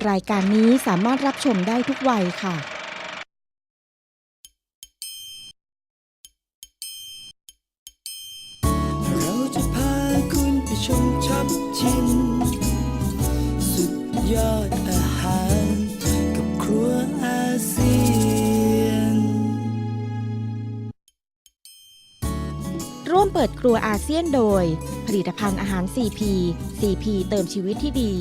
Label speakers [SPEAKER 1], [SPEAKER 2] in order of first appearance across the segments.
[SPEAKER 1] รายการนี้สามารถรับชมได้ทุกวัยค่ะ
[SPEAKER 2] เราจะพาคุณไปชมช็อปชิมสุดยอดอาหารกับครัวอาเซียน
[SPEAKER 1] ร่วมเปิดครัวอาเซียนโดยผลิตภัณฑ์อาหาร CP CP เติมชีวิตที่ดี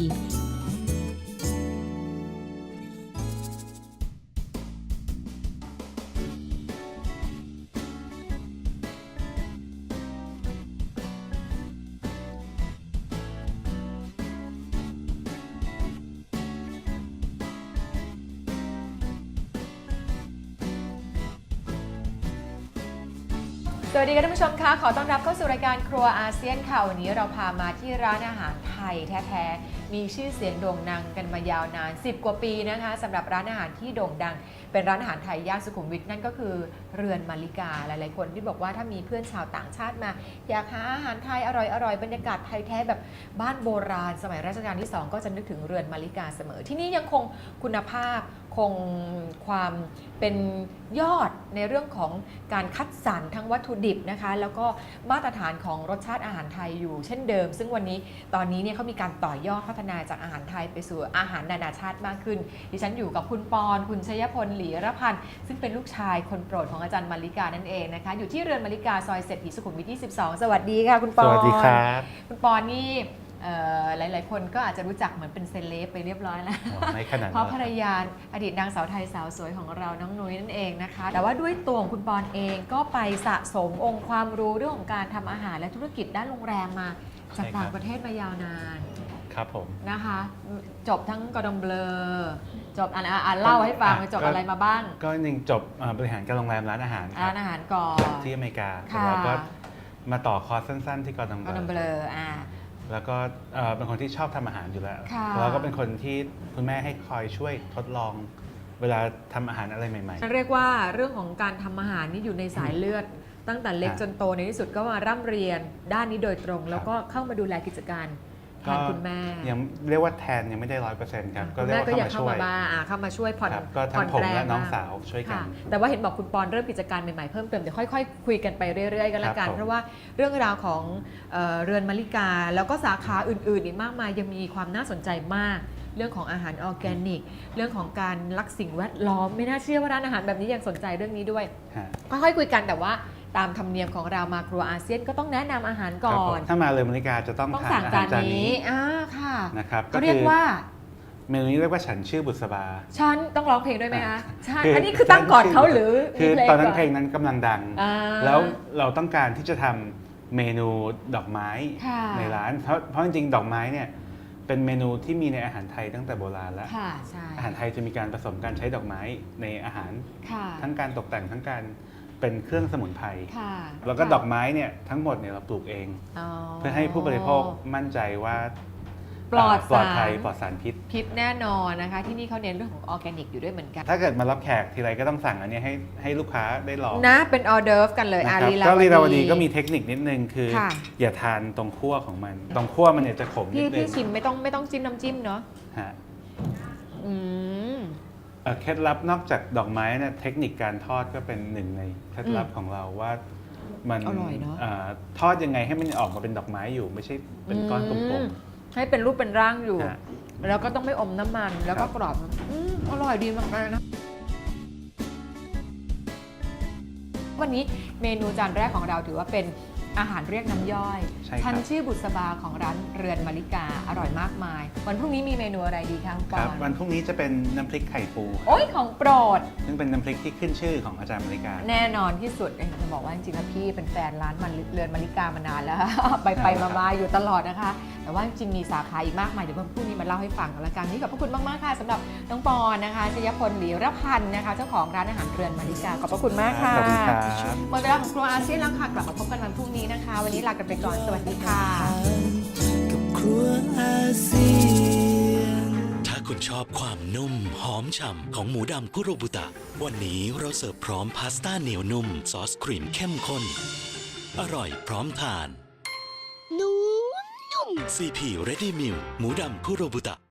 [SPEAKER 3] สวัสดีค่ะท่านผู้ชมคะขอต้อนรับเข้าสู่รายการครัวอาเซียนค่ะวันนี้เราพามาที่ร้านอาหารไทยแท้ๆมีชื่อเสียงโด่งดังกันมายาวนาน10 กว่าปีนะคะสำหรับร้านอาหารที่โด่งดังเป็นร้านอาหารไทยย่านสุขุมวิทนั่นก็คือเรือนมาริกาหลายๆคนที่บอกว่าถ้ามีเพื่อนชาวต่างชาติมาอยากหาอาหารไทยอร่อยๆบรรยากาศไทยแท้แบบบ้านโบราณสมัยรัชกาลที่2ก็จะนึกถึงเรือนมาริกาเสมอที่นี่ยังคงคุณภาพคงความเป็นยอดในเรื่องของการคัดสรรทั้งวัตถุดิบนะคะแล้วก็มาตรฐานของรสชาติอาหารไทยอยู่เช่นเดิมซึ่งวันนี้ตอนนี้เนี่ยเขามีการต่อยอดพัฒนาจากอาหารไทยไปสู่อาหารนานาชาติมากขึ้นดิฉันอยู่กับคุณปอนคุณชยพลหลีระพันธ์ซึ่งเป็นลูกชายคนโปรดของอาจารย์มาริกานั่นเองนะคะอยู่ที่เรือนมาริกาซอยเศรษฐีสุขุมวิท22สวัสดีค่ะคุณปอน
[SPEAKER 4] สวัสดีครับ
[SPEAKER 3] คุณปอนนี่หลายๆคนก็อาจจะรู้จักเหมือนเป็นเซเลบไปเรียบร้อยแล้ว
[SPEAKER 4] ไม่ขนาดนั้น
[SPEAKER 3] เพราะภรรยาอดีตนางสาวไทยสาวสวยของเราน้องนุ้ยนั่นเองนะคะ แต่ว่าด้วยตัวของคุณปอนเองก็ไปสะสมองค์ความรู้เรื่องของการทำอาหารและธุรกิจด้านโรงแรมมาจากต่างประเทศมายาวนาน
[SPEAKER 4] ครับผม
[SPEAKER 3] นะคะจบทั้งกอร์ดองเบลอจบเล่าให้ฟังจบอะไรมาบ้าง
[SPEAKER 4] ก็จริงจบบริหารการโรงแรมร้านอาหารครับ
[SPEAKER 3] ร้านอาหารก่อน
[SPEAKER 4] ที่อเมริกา
[SPEAKER 3] ค่ะ
[SPEAKER 4] แล้วก็มาต่อคอร์สสั้นๆที่กอร์ดอง
[SPEAKER 3] กอร์ดองเบ
[SPEAKER 4] เบ
[SPEAKER 3] ล
[SPEAKER 4] ล
[SPEAKER 3] อ
[SPEAKER 4] แล้วก็เป็นคนที่ชอบทำอาหารอยู่แล้ว
[SPEAKER 3] ค่ะ
[SPEAKER 4] แล้วก็เป็นคนที่คุณแม่ให้คอยช่วยทดลอง เวลาทำอาหารอะไรใหม่
[SPEAKER 3] เรียกว่าเรื่องของการทำอาหารนี่อยู่ในสายเลือด ตั้งแต่เล็กจนโตในที่สุดก็มาร่ำเรียนด้านนี้โดยตรง แล้วก็เข้ามาดูแลกิจการ
[SPEAKER 4] ๆ
[SPEAKER 3] แทนคุณแม่
[SPEAKER 4] ยังเรียกว่าแทนยังไม่ได้100%ครับก็
[SPEAKER 3] คุณ
[SPEAKER 4] เรีย
[SPEAKER 3] แม่
[SPEAKER 4] กว่า
[SPEAKER 3] ก็อยาก
[SPEAKER 4] เข้า
[SPEAKER 3] เข้า
[SPEAKER 4] มาช่วย
[SPEAKER 3] มาบ้างเข้ามาช่วยผ่อน
[SPEAKER 4] ครับก็ทั้
[SPEAKER 3] ผ่อง น
[SPEAKER 4] ผม
[SPEAKER 3] แรง
[SPEAKER 4] และน้อง
[SPEAKER 3] บ้
[SPEAKER 4] สาวช่วยกัน
[SPEAKER 3] ค่ะแต่ว่าเห็นบอกคุณปอนเริ่มกิจการใหม่ๆเพิ่มเติมเดี๋ยวค่อยๆคุยกันไปเรื่อยๆกันละกัน
[SPEAKER 4] ครับผม
[SPEAKER 3] เพราะว่าเรื่องราวของเรือนมาริกา แล้วก็สาขาอื่นๆอีกมากมายยังมีความน่าสนใจมาก เรื่องของอาหารออร์แกนิก เรื่องของการรักสิ่งแวดล้อมไม่น่าเชื่อว่าร้านอาหารแบบนี้ยังสนใจเรื่องนี้ด้วย
[SPEAKER 4] ฮะ
[SPEAKER 3] ค่อยๆคุยกันแต่ว่าตามธรรมเนียมของเรามาครัวอาเซียนก็ต้องแนะนำอาหาร
[SPEAKER 4] ค
[SPEAKER 3] ก่
[SPEAKER 4] รับ
[SPEAKER 3] อ
[SPEAKER 4] ผม
[SPEAKER 3] น
[SPEAKER 4] ถ้ามาเลยอเมริกาจะต้อง
[SPEAKER 3] ต้อง
[SPEAKER 4] ทาน
[SPEAKER 3] สั่ง
[SPEAKER 4] อา
[SPEAKER 3] จา
[SPEAKER 4] หาร
[SPEAKER 3] น
[SPEAKER 4] จาน
[SPEAKER 3] นี้
[SPEAKER 4] นี้
[SPEAKER 3] ค่ะ
[SPEAKER 4] นะครับ
[SPEAKER 3] เขาเรียกว่า
[SPEAKER 4] เมนูนี้เรียกว่าฉันชื่อบุษบา
[SPEAKER 3] ฉันต้องร้องเพลงด้วยไหมคะใช่
[SPEAKER 4] คือ
[SPEAKER 3] อันนี้คือตั้งก่อนเขาหรือ
[SPEAKER 4] คือ
[SPEAKER 3] มี
[SPEAKER 4] ตอนนั้น
[SPEAKER 3] ก่
[SPEAKER 4] เพลงนั้นกำลังดัง
[SPEAKER 3] อ่า
[SPEAKER 4] แล้วเราต้องการที่จะทำเมนูดอกไม้
[SPEAKER 3] ค่ะ
[SPEAKER 4] ในร้าน เพราะจริงๆ ดอกไม้เนี่ยเป็นเมนูที่มีในอาหารไทยตั้งแต่โบราณแล้ว
[SPEAKER 3] ค่ะใช่
[SPEAKER 4] อาหารไทยจะมีการผสมการใช้ดอกไม้ในอาหาร
[SPEAKER 3] ค่ะ
[SPEAKER 4] ทั้งการตกแต่งทั้งการเป็นเครื่องสมุนไพร
[SPEAKER 3] ค่ะ
[SPEAKER 4] แล้วก็ดอกไม้เนี่ยทั้งหมดเนี่ยเราปลูกเอง
[SPEAKER 3] อ๋อ
[SPEAKER 4] เพื่อให้ผู้บริโภคมั่นใจว่า
[SPEAKER 3] ปลอด
[SPEAKER 4] ปลอด
[SPEAKER 3] สาร
[SPEAKER 4] ภัยปลอดสารพิษ
[SPEAKER 3] พิษแน่นอนนะคะ ที่นี่เขาเน้นเรื่องของออร์แกนิกอยู่ด้วยเหมือนกัน
[SPEAKER 4] ถ้าเกิดมารับแขกทีไรก็ต้องสั่งอันเนี้ยให้ลูกค้าได้ลอง
[SPEAKER 3] นะเป็นออเดิร์ฟกันเลย
[SPEAKER 4] นะครับ
[SPEAKER 3] ลีลา
[SPEAKER 4] ก็ลีลาว
[SPEAKER 3] ว
[SPEAKER 4] ดี
[SPEAKER 3] ดี
[SPEAKER 4] ก็มีเทคนิคนิดนึงคือ
[SPEAKER 3] ค่ะ
[SPEAKER 4] อย่าทานตรงขั้วของมัน ตรงขั้วมันเนี่ยจะขมนิ
[SPEAKER 3] พี่
[SPEAKER 4] ดนึ
[SPEAKER 3] พี่
[SPEAKER 4] ง
[SPEAKER 3] ชิมไม่ต้องจิ้มน้ำจิ้มเนาะ
[SPEAKER 4] ฮะ
[SPEAKER 3] อืม
[SPEAKER 4] เคล็ดลับนอกจากดอกไม้เนี่ยเทคนิคการทอดก็เป็นหนึ่งในเคล็ดลับของเราว่ามัน
[SPEAKER 3] อร่อยเนอะ
[SPEAKER 4] ทอดยังไงให้มันออกมาเป็นดอกไม้อยู่ ไม่ใช่เป็นก้อนกลม
[SPEAKER 3] ให้เป็นรูปเป็นร่างอยู่
[SPEAKER 4] ๆฮะ
[SPEAKER 3] แล้วก็ต้องไม่อมน้ำมัน แล้วก็
[SPEAKER 4] ครับ
[SPEAKER 3] กรอบอร่อยดีมากๆนะ วันนี้เมนูจานแรกของเราถือว่าเป็นอาหารเรียกน้ำย่อย
[SPEAKER 4] ใช่ครับ
[SPEAKER 3] ทันชื่อบุษบาของร้านเรือนมาริกาอร่อยมากมาย วันพรุ่งนี้มีเมนูอะไรดีคะคุณป
[SPEAKER 4] ค
[SPEAKER 3] อ
[SPEAKER 4] รับ
[SPEAKER 3] น
[SPEAKER 4] วันพรุ่งนี้จะเป็นน้ำพริกไข่ปู
[SPEAKER 3] โอ้ยของโปรด
[SPEAKER 4] ซึ่งเป็นน้ำพริกที่ขึ้นชื่อของอาจารย์อเมริกา
[SPEAKER 3] แน่นอนที่สุดจะบอกว่าจริงๆแล้วพี่เป็นแฟนร้านมันเรือนมาริกามานานแล้ว ไปมาๆอยู่ตลอดนะคะ แต่ว่าจริงๆมีสาขาอีกมากมายเดี๋ยววันพรุ่งนี้มาเล่าให้ฟังกันละกันนี่ขอบพระคุณมากๆค่ะสำหรับน้องปอนนะคะชยพลหลีระพันธ์นะคะเจ้าของร้านอาหารเรือนมาริกาขอบพระคุณมากค่ะ
[SPEAKER 4] ขอบคุณครับ
[SPEAKER 3] หมดเวลาของครัวอาเซียนแล้วค่ะกลับมาพบกันวันพรุ่งนี้นะคะ วันนี้ลากันไปก่อนสวัสดีค่ะ
[SPEAKER 2] กับครัวอาเซียน
[SPEAKER 5] ถ้าคุณชอบความนุ่มหอมฉ่ำของหมูดำคุโรบุตะ วันนี้เราเสิร์ฟพร้อมพาสต้าเหนียวนุ่ม ซอสครีมเข้มข้น อร่อยพร้อมทาน CP Ready Meal หมูดำคุโรบุตะ